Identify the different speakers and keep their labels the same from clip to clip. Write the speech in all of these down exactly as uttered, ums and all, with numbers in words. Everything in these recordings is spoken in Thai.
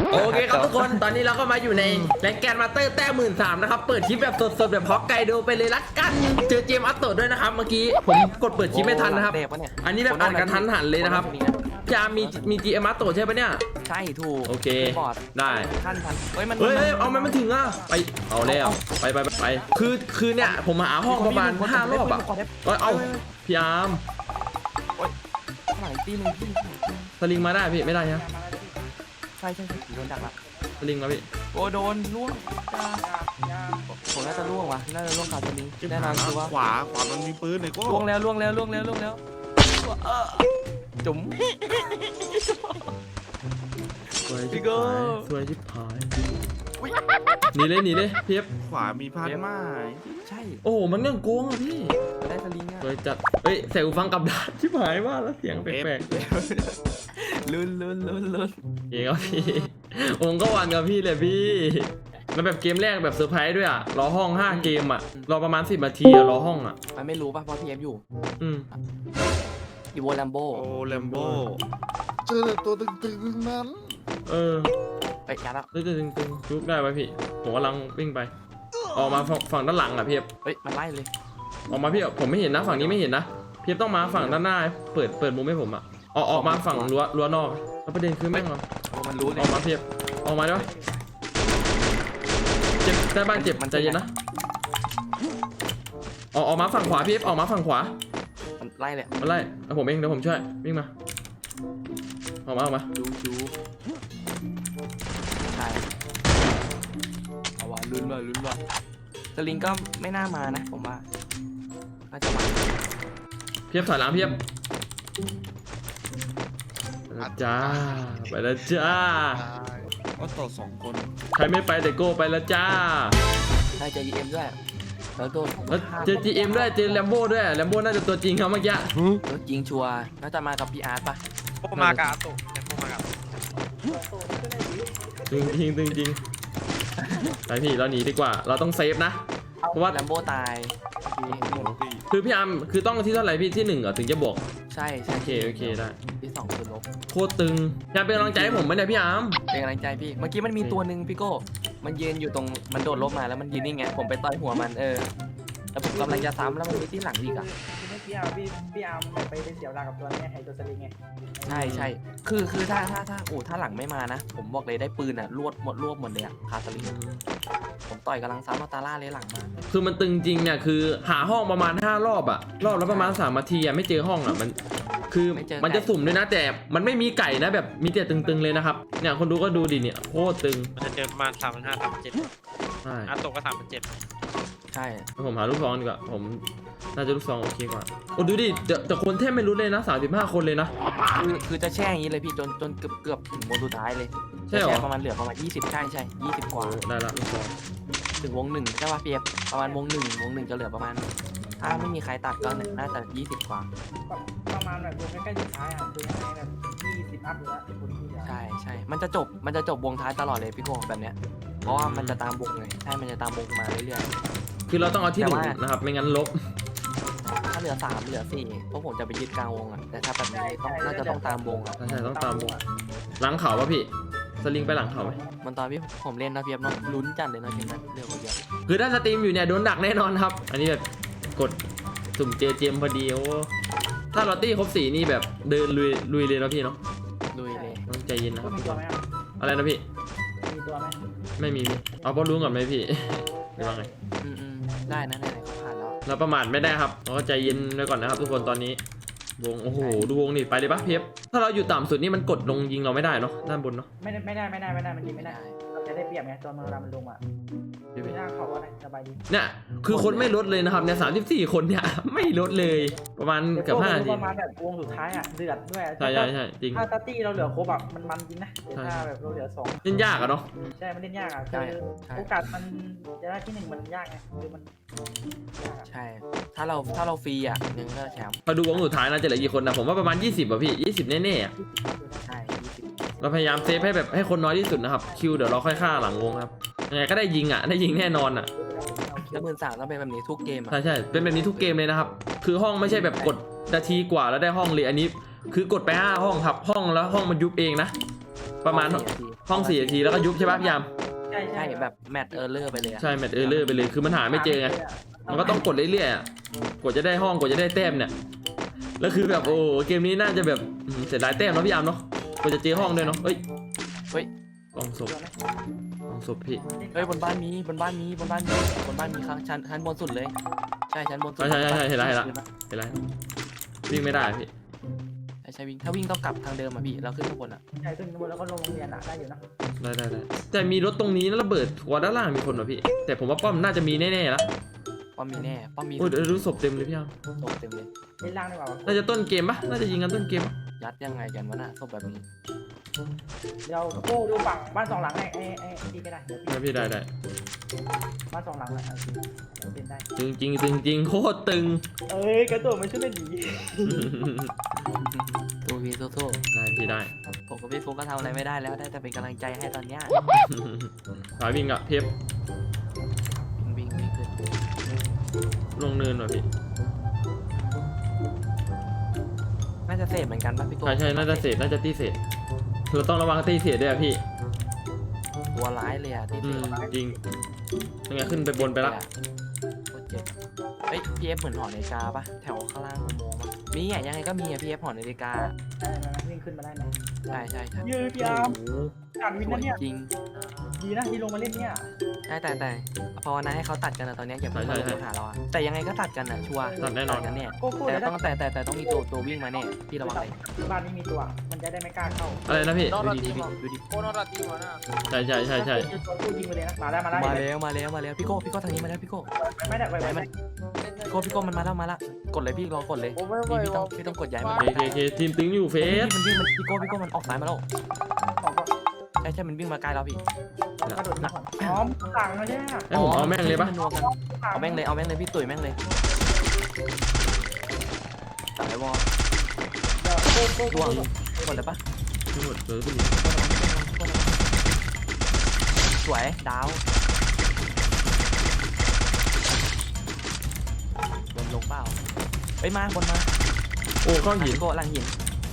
Speaker 1: โอเคครับทุกคนตอนนี้เราก็มาอยู่ในแรงแกนมาสเตอร์แต้มหมื่นสามนะครับเปิดคลิปแบบสดๆแบบฮอกไกโดไปเลยละกันเจอเจมส์อัตโตด้วยนะครับเมื่อกี้ผมกดเปิดคลิปไม่ทันนะครับอันนี้แบบอ่านกันทันหันเลยนะครับจะมีมีจีเอ็มอัตโตใช่ปะเนี่ย
Speaker 2: ใช่ถูก
Speaker 1: โอเคได้
Speaker 2: ท่านทันเฮ้ยมัน
Speaker 1: เฮ้ยเอามันมันถึงอ่ะไปเอาแล้วไปไปไปคือคือเนี่ยผมหาห้องประมาณห้ารอบอ่ะเอาพี่อาร์ม
Speaker 2: หลังตีหนึ่งที่
Speaker 1: สลิงมาได้พี่ไม่ได้นะ
Speaker 2: ใช่ใช่ใช่โดนดักละ
Speaker 1: สลิงมาพี่
Speaker 2: โอ้โดนล่วงผมน่าจะล่วงว่ะน่าจะล่วงขาดสลิงแน่นอนคือว่า
Speaker 3: ขวาขวามันมีปืนเลยก็
Speaker 2: ล่วงแล้วล่วงแล้วล่วงแล้วล่วงแล้วจุ๋ม
Speaker 1: สวยชิบหายสวยชิบหายหนีเลยหนีเลยเพียบ
Speaker 3: ขวามีพันไม้
Speaker 2: ใช่
Speaker 1: โอ้มันยังโกงอ่ะพี่
Speaker 2: ได้สลิงอ่ะ
Speaker 1: สวยจัดเฮ้ยใส่หูฟังกับด้านชิบหายมากแล้วเสียงแปลก
Speaker 2: ๆลุ้นลุ้นลุ้นลุ้น
Speaker 1: เก่งครับพี่ผมก็วันกับพี่เลยพี่แล้วแบบเกมแรกแบบเซอร์ไพรส์ด้วยอ่ะรอห้องห้าเกมอ่ะรอประมาณสิบนาทีอ่ะรอห้องอ่ะ
Speaker 2: มันไม่รู้ป่ะเพราะพีเอฟอยู่
Speaker 1: อืม
Speaker 2: อีโวแลมโบ
Speaker 3: โอ้แลมโบเจอตัวตึงๆนั้น
Speaker 1: เออ
Speaker 2: ไปยัดแล้ว
Speaker 1: ตึงตึงจุกได้ไหมพี่ผมกำลังวิ่งไปออกมาฝั่งด้านหลังอ่ะพี่
Speaker 2: เฮ้ยมันไล่เลย
Speaker 1: ออกมาพี่ผมไม่เห็นนะฝั่งนี้ไม่เห็นนะพี่ต้องมาฝั่งด้านหน้าเปิดเปิดมุมให้ผมอ่ะออกออกมาฝั่งรั้วรั้วนอกแล้วประเด็นคือแม่งเรา
Speaker 2: มันรู้เลย
Speaker 1: ออกมาเพียบออกมาด้วยเจ็บแต่บ้านเจ็บมันใจเย็นนะออกออกมาฝั่งขวาพี่ออกมาฝั่งขวา
Speaker 2: มันไล่เลย
Speaker 1: มันไล่ผมเองเดี๋ยวผมช่วยวิ่งมาออกมาออกมา
Speaker 2: ดูดูใช่เอาว่าลุ้นว่าลุ้นว่าสลิงก็ไม่น่ามานะผมว่าน่าจะมา
Speaker 1: เพียบถอยหลังเพียบจ้าไปแล้วจ้า
Speaker 3: ก็ต่อสองคน
Speaker 1: ใครไม่ไปแต่โก้ไปแล้วจ้า
Speaker 2: ได้เจอ จี เอ็ม ด้วยแล้วโดน
Speaker 1: เจอ จี เอ็ม ด้วยเจอแลมโบ้ด้วยแลมโบ้น่าจะตัวจริงครับเมื่อกี้
Speaker 2: ตัวจริงชัวร์น่าจะมากับพี่อาร์ตป่ะ
Speaker 3: โอ้มากับโตแลมโบ้มากับ
Speaker 1: จริงจริงจริงจริงไปพี่เราหนีดีกว่าเราต้องเซฟนะเพราะว่า
Speaker 2: แลมโบ้ตาย
Speaker 1: คือพี่อาร์มคือต้องที่เท่าไหร่พี่ที่หนึ่งเหรอถึงจะบวก
Speaker 2: ใช่ใช่
Speaker 1: โอเคโอเคได้
Speaker 2: ที่สองคือลบ
Speaker 1: โคตรตึงอยากเป็นกำลังใจให้ผมไหมเนี่ยพี่อาร์ม
Speaker 2: เป็นกำลังใจพี่เมื่อกี้มันมีตัวหนึ่งพี่โก้มันยืนอยู่ตรงมันโดดลบมาแล้วมันยืนนี่ไงผมไปต่อยหัวมันเออแล้วผมกำลังจะซ้ำแล้วมันมีที่หลังอีกอ่ะ
Speaker 4: พี่อาร์พี่พี่อาร์ไปไปเสียเวลากับตัวนี้ไอ้ตัวสลิงไง
Speaker 2: ใช่ใช่คือคือถ้าถ้าถ้าโอ้ถ้าหลังไม่มานะผมบอกเลยได้ปืนอ่ะรวดหมดรวบหมดเลยอ่ะคาสลิงผมต่อยกำลังซ้ำมาตาล่าเลยหลังมา
Speaker 1: คือมันตึงจริงเนี่ยคือหาห้องประมาณห้ารอบอ่ะรอบแล้วประมาณสามนาทีอ่ะไม่เจอห้องอ่ะมันคือมันจะสุ่มด้วยนะแต่มันไม่มีไก่นะแบบมีแต่ตึงๆเลยนะครับเนี่ยคนดูก็ดูดิเนี่ยโคตรตึง
Speaker 3: มันจะเจอประมาณสามพันห้าสามพันเจ็ดใช่อันตกก็สามพันเจ็ด
Speaker 2: ใช่
Speaker 1: ผมหาลูกซองดีกว่าผมน่าจะลูกซองโอเคกว่าโอ้ดูดิแต่คนแทบไม่รู้เลยนะสามสิบห้าคนเลยนะ
Speaker 2: คือคือจะแช่อย่างนี้เลยพี่จนจนเกือบเกือบถึงวงสุดท้ายเลย
Speaker 1: ใช่หรอ
Speaker 2: ประมาณเหลือประมาณยี่สิบใช่ใช่ยี่สิบกว่า
Speaker 1: ได้ละลูกซอง
Speaker 2: ถึงวงหนึ่งใช่ป่ะเปียบประมาณวงหนึ่งวงหนึ่งจะเหลือประมาณถ้าไม่มีใครตัดก็น่าจะยี่สิบกว่า
Speaker 4: ประมาณแบบวงใกล้ๆสุดท้ายอ่ะคือแบบยี่สิบอัพอยู่แล้วคนที่
Speaker 2: ใช่ใช่มันจะจบมันจะจบวงท้ายตลอดเลยพี่โก้แบบเนี้ยเพราะว่ามันจะตามวงไงใช่มันจะตามวงมาเรื่อย
Speaker 1: ๆคือเราต้องเอาที่หนึ่งนะครับไม่งั้นลบ
Speaker 2: ถ้าเหลือสามเหลือสี่พวกผมจะไปยึดกลางวงอ่ะแต่ถ้าแบบนี้ต้องน่าจะต้องตามวงอ่ะ
Speaker 1: ใช่ต้องตามวงหลังเขาป่ะพี่สลิงไปหลังเขาไหม
Speaker 2: มันตอนพี่ผมเล่นนะเพียบเนาะลุ้นจัดเลยนะเกมนั้นเรื่องคนเดียว
Speaker 1: คือถ้าสตรีมอยู่เนี่ยโดนดักแน่นอนครับอันนี้แบบกดสุ่มเจเจมพอดีโอ้ถ้าลอตตี้ครบสีนี่แบบเดินลุยลุยเลยนะพี่เนาะ
Speaker 2: ลุยเลย
Speaker 1: ต้องใจเย็นนะครับ
Speaker 4: มีตัวไหม
Speaker 1: อะไรนะพี่
Speaker 4: มีตัวไหม
Speaker 1: ไม่มีเอาบอลลุ้นก่อนไหมพี่หรือว่าไง
Speaker 2: อืมได้นะได้เขาผ่านแล้ว
Speaker 1: เราประมาทไม่ได้ครับเราก็ใจเย็นไว้ก่อนนะครับทุกคนตอนนี้วงโอ้โหดูวงนี่ไปเลยปะเพียบถ้าเราอยู่ต่ำสุดนี่มันกดลงยิงเราไม่ได้เนาะด้านบนเนาะ
Speaker 4: ไม่ได้ไม่ได้ไม่ได้ไม่ได้มันยิงไม่ได้เราจะได้เปรียบไงตัวมันเวลามันลงอ่ะไม่น่าเขาว่าสบายดี
Speaker 1: เนี่ยคือคนไม่ลดเลยนะครับเนี่ยสามสิบสี่คนเนี่ยไม่ลดเลยประมาณเกือบห้าที
Speaker 4: ประมาณแบบวงสุดท้ายอ่ะเดือดด้วย
Speaker 1: ใช่ใช่ใช่จริง
Speaker 4: ถ้าตัตตี้เราเหลือครบแบบมันมันจริงนะถ้าแบบเราเหลือสอง
Speaker 1: เล่นยากอะเนาะ
Speaker 4: ใช่มันเล่นยากอ่ะคือโอกาสมันจะได้ที่หนึ่งมันยากไงคือมัน
Speaker 2: ใช่ถ้าเราถ้าเราฟรีอ่ะหนึ่งก็แชมป์
Speaker 1: พอดูวงสุดท้ายนะจะเหลือกี่คนนะผมว่าประมาณยี่สิบอ่ะพี่ยี่สิบแน่ๆอ่ะ
Speaker 2: ใช่ยี่สิบ
Speaker 1: เราพยายามเซฟให้แบบให้คนน้อยที่สุดนะครับคิวเดี๋ยวเราค่อยฆ่าหลังวงครับยังไงก็ได้ยิงอ่ะได้ยิงแน่นอนอ่ะ
Speaker 2: แล้วหมื่นสามต้องเป็นแบบนี้ทุกเกม
Speaker 1: ใช่ใช่เป็นแบบนี้ทุกเกมเลยนะครับคือห้องไม่ใช่แบบกดนาทีกว่าแล้วได้ห้องเลยอันนี้คือกดไปห้าห้องครับห้องแล้วห้องมันยุบเองนะประมาณ
Speaker 2: สี่นาที
Speaker 1: ห้องสี่นาทีแล้วก็ยุบใช่ปะพี่ยาม
Speaker 4: ใช่
Speaker 2: ใช่
Speaker 4: ใช่
Speaker 2: แบบแมตช์เออร์เลอร์ไปเลยอะ
Speaker 1: ใช่แมตช์เออร์เลอร์ไปเลยคือมันหาไม่เจอไงมันก็ต้องกดเรื่อยๆอะกดจะได้ห้องกดจะได้แต้มเนี่ยแล้วคือแบบโอ้เกมนี้น่าจะแบบอืมเสียดายแต้มเนาะพี่ยามเนาะกว่าจะเจอห้องด้วยเนาะเฮ้ย
Speaker 2: เฮ้ย
Speaker 1: กองศพกองศพพี่
Speaker 2: เฮ้ยบนบ้านมีบนบ้านมีบนบ้านมีบนบ้านมีข้างชั้นชั้นบนสุดเลยใช่ชั้นบนสุด
Speaker 1: ใช่ใช่ใช่เห็นแล้วเห็นแล้วเห็นแล้ววิ่งไม่ได้พี่
Speaker 2: ใช่ใช่วิ่งถ้าวิ่งต้องกลับทางเดิมอ่ะพี่เราขึ้นข้างบนอ่ะ
Speaker 4: ใช่ขึ้นข้างบนแล้วก็ลงโรงเรียนอ่ะได้อยู่นะ
Speaker 1: ได้ได้ได้แต่มีรถตรงนี้นะระเบิดหัวด้านล่างมีคนเหรอพี่แต่ผมว่าป้อมน่าจะมีแน่ๆแล้ว
Speaker 2: ป้อมมีแน่ป้อมมี
Speaker 1: โอ้ยเดี๋ยวรู้ศพเต็มเลยพี่ยาม
Speaker 2: ตกเต็มเลย
Speaker 4: เล่นล่างดีกว่า
Speaker 1: น่าจะต้นเกมปะน่าจะยิงกันต้นเกมปะ
Speaker 2: ยัดยังไงกันวะน่ะศพแบบนี้
Speaker 4: เดี๋ยวโก้ดูฝั่งบ้านสองหลังไอ้ไอ้ไอ้ที่ก็ได้เดี๋ยว
Speaker 1: ได้พี่ได้ได้
Speaker 4: บ้านสองหลังอ่ะโอเคเล่นได้
Speaker 1: ตึงจริงตึงจริงโคตรตึง
Speaker 4: เอ้ยกระโดดมันช่วยได้ดี
Speaker 2: สู้พี่สู้
Speaker 1: ได้พี่ได้
Speaker 2: ๆผมกับพี่ฟุกก็ทำอะไรไม่ได้แล้วได้แต่เป็นกำลังใจให้ตอนเนี้ย
Speaker 1: สายวิ่งอะเพียบ
Speaker 2: วิ่งวิ่งขึ้น
Speaker 1: ลงเนินว่ะพี่
Speaker 2: น่าจะเสพเหมือนกันป่ะพี่โก้
Speaker 1: ใช่ใช่น่าจะเศษน่าจะตีเศษเราต้องระวังตีเศษด้วยอะพี่
Speaker 2: ตัวร้ายเลยอ่ะที่
Speaker 1: อื
Speaker 2: เส
Speaker 1: ม
Speaker 2: พ
Speaker 1: จริงยังไงขึ้นไปบนไปละ
Speaker 2: โคตรเจ็บเฮ้ยพีเอฟเหมือนหอนาฬิกาป่ะแถวข้างล่างอุโมงค์ป่ะมีอ่ะยังไงก็มีอ่ะพีเอฟหอนาฬิกา
Speaker 4: ได้ไหมวิ่งขึ้นมาได้ไหม
Speaker 2: ใช่ใช่ใช่
Speaker 4: ยืดยามการวิน
Speaker 2: สว
Speaker 4: นะ
Speaker 2: ย
Speaker 4: เนี่ย
Speaker 2: จริง
Speaker 4: ดีนะที่ลงมาเล่นเนี่ย
Speaker 2: ใช่แต่แต่ภาวนาให้เขาตัดกันนะตอนเนี้ยอย่าเพิ่งมาลงหาเราอะแต่ยังไงก็ตัดกันอะชัวร์
Speaker 1: ตัดแน่นอน
Speaker 2: กันเนี่ย
Speaker 4: โก้โก้
Speaker 2: แต่
Speaker 4: เดี๋ยว
Speaker 2: ต้องแต่แต่แต่ต้องมีตัวตัววิ่งมาเนี่ยพี่ระวังเลย
Speaker 4: บ้านนี้มีตัว มันจะได้ไม่กล้าเข้า
Speaker 1: อะไรนะพี่
Speaker 2: ดูดิดูดิ
Speaker 3: โคนอราตีมาหน้า
Speaker 1: ใช่ใช่ใช่ใช่
Speaker 4: ตัวตู้ยิงไปเลยนะมาได้มาได้
Speaker 2: มาแล้วมาแล้วมาแล้วพี่โก้พี่โก้ทางนี้มาแล้วพี่โก้
Speaker 4: ไม่ได้ไป
Speaker 2: ไหน
Speaker 4: ไป
Speaker 2: มันพี่โก้พี่โก้มันมาแล้วมาแล้วกดเลยพี่รอกดเลย
Speaker 3: โอ้ไม่ไหว
Speaker 2: พี่พี่ต้องพี่ต้องกดย้ายมัน
Speaker 1: โอเคโอเคทีมตึงอยู่เฟ
Speaker 2: เฮ้ย
Speaker 1: ส
Speaker 2: มันวิ่งมันพี่โก้พี่โก้มันออกซ้ายมาแล้ว
Speaker 4: ของก็
Speaker 2: ใช่ใช่มันวิ่งมาใกล้แล้วพี่
Speaker 4: กระโดดก่อนอ๋อสั่งนะเนี่ย
Speaker 1: ให้ผมเอาแม่งเลยปะ
Speaker 2: นนัวกันเอาแม่งเลยเอาแม่งเลยพี่ตุ๋ยแม่งเลยตัดไอ้วอล
Speaker 4: เดี๋ยวโก้โก้
Speaker 2: ร่ว
Speaker 4: โก้
Speaker 2: งกดเลยปะ
Speaker 1: ทั้งหมดเลยพี่
Speaker 2: สวยดาวบนลงเปล่าไปมาบนมา
Speaker 1: โอ้ก้อนหิน
Speaker 2: โก้ลังหิน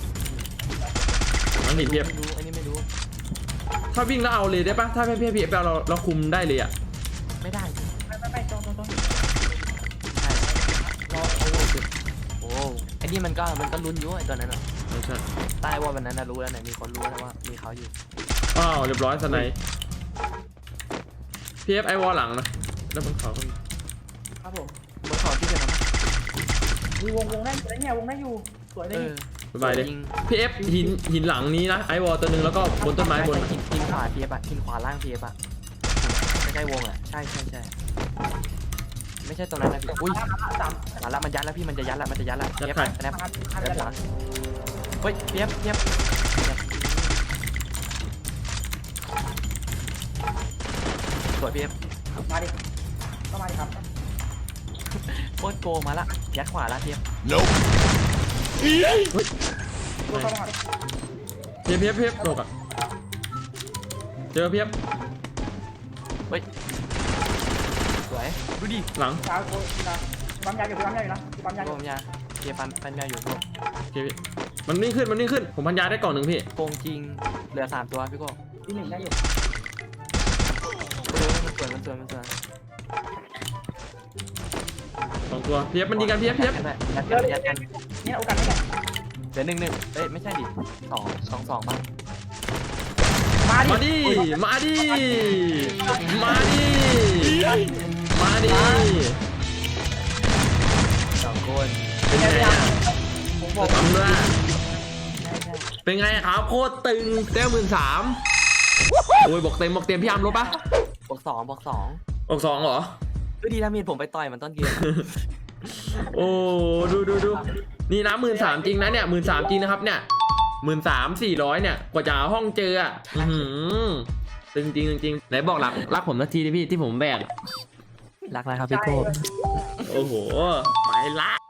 Speaker 1: ก้อนหินเพียบ
Speaker 2: ไม่รู้อันนี้ไม่รู้
Speaker 1: ถ้าวิ่งแล้วเอาเลยได้ปะถ้าเพียบเพียบเราเราคุมได้เลยอะ
Speaker 2: ไม่ได้
Speaker 4: ไม่ไม่ไม่ตรงตรงตรง
Speaker 2: ใช่รอโอ้โอ้ไอ้นี่มันก็มันก็ลุ้นอยู่ไอ้ตอนนั้นอ่ะ
Speaker 1: ไม่ใช่
Speaker 2: ใต้ว่าวันนั้นนะรู้แล้วไหนมีคนรู้แล้วว่ามีเขาอยู่
Speaker 1: อ้าวเรียบร้อยสไนพีเอฟไอวอลหลังนะแล้วบนเขาก็มี
Speaker 4: ครับผม
Speaker 2: บนเขาที่จะทำ
Speaker 4: มีวงวงได้อยู่เนี่ยวงได้อยู่สวยเล
Speaker 2: เอย อ
Speaker 1: สบายเลย
Speaker 2: ยิง
Speaker 1: พีเอฟหินหินหลังนี้นะไอวอลตัวหนึ่งแล้วก็บนต้นไม้บน
Speaker 2: หินหินขวาเพียบอะหินขวาล่างเพียบอะไม่ใช่วงอะใช่ใช่ใช่ไม่ใช่ตรงนั้นนะพี่อุ้ย
Speaker 4: สาม
Speaker 2: มาละมันยัดแล้วพี่มันจะยัดแล้วมันจะยัดแล้วเพียบแนบ
Speaker 4: พันพัน
Speaker 2: แนบ
Speaker 4: จะ
Speaker 2: ห
Speaker 4: ห
Speaker 2: ลั
Speaker 4: ลั
Speaker 2: ง
Speaker 4: ง
Speaker 2: เฮ้ยเพียบเพียบสวยเพียบ
Speaker 4: มาดิก็มาดิครับ
Speaker 2: โคตรโกงมาละยัดขวาละเพียบ
Speaker 4: ตัวเข้ามา
Speaker 1: เพียบเพียบเพียบโลกอะเจอเพียบ
Speaker 2: สวยดูดิ
Speaker 1: หลัง
Speaker 4: สาวโก้สาวปั๊มยาอยู่ปั๊มยาอยู่นะปั๊มยาอ
Speaker 2: โก
Speaker 4: ยู่
Speaker 2: งยาเพียบปันปันยาอยู่โก
Speaker 1: โอเคพี่มันนิ่งขึ้นมันนิ่งขึ้นผมพันยาได้กล่องหนึ่งพี่
Speaker 2: โกงจริงเหลือสามตัวพี่โก้
Speaker 4: ที่หนึ่งได้อยู่
Speaker 2: ดูมันสวยมันสวยมันสวย
Speaker 1: สองตัวเพียบมันยิงกันเพียบเพียบ
Speaker 2: ยัด
Speaker 4: เดี๋
Speaker 2: กั
Speaker 4: ยวน
Speaker 2: ยัดกัน
Speaker 4: เนี่ยโอกาสไม่ได้
Speaker 2: เหลือหนึ่งหนึ่งเอ้ยไม่ใช่ดิสองสองสองป่ะ
Speaker 4: มาดิ
Speaker 1: มาดิมาดิมาดิมาดิ
Speaker 2: สองคน
Speaker 1: เป็นไงอะ
Speaker 4: ผมบอก
Speaker 1: ทำด้วยเป็นไงครับโคตรตึงแต้มหมื่นสามโอ้ยบอกเต็มบอกเต็มพี่อาร์มรู้ปะ
Speaker 2: บวกสองบวกสอง
Speaker 1: บอกสองเหรอ
Speaker 2: ดูดีถ้ามีดผมไปต่อยมันต้นเกม
Speaker 1: โอ้ดูดูดูนี่นะหมื่นสามจริงนะเนี่ยหมื่นสามจริงนะครับเนี่ยหมื่นสามสี่ร้อยเนี่ยกว่าจะหาห้องเจออ่ะอื้อหือตึงจริงจริงไหนบอกรักรักผมสักทีดิพี่ที่ผมแบก
Speaker 2: รักนะครับพี่โก้
Speaker 1: โอ้โหไปละ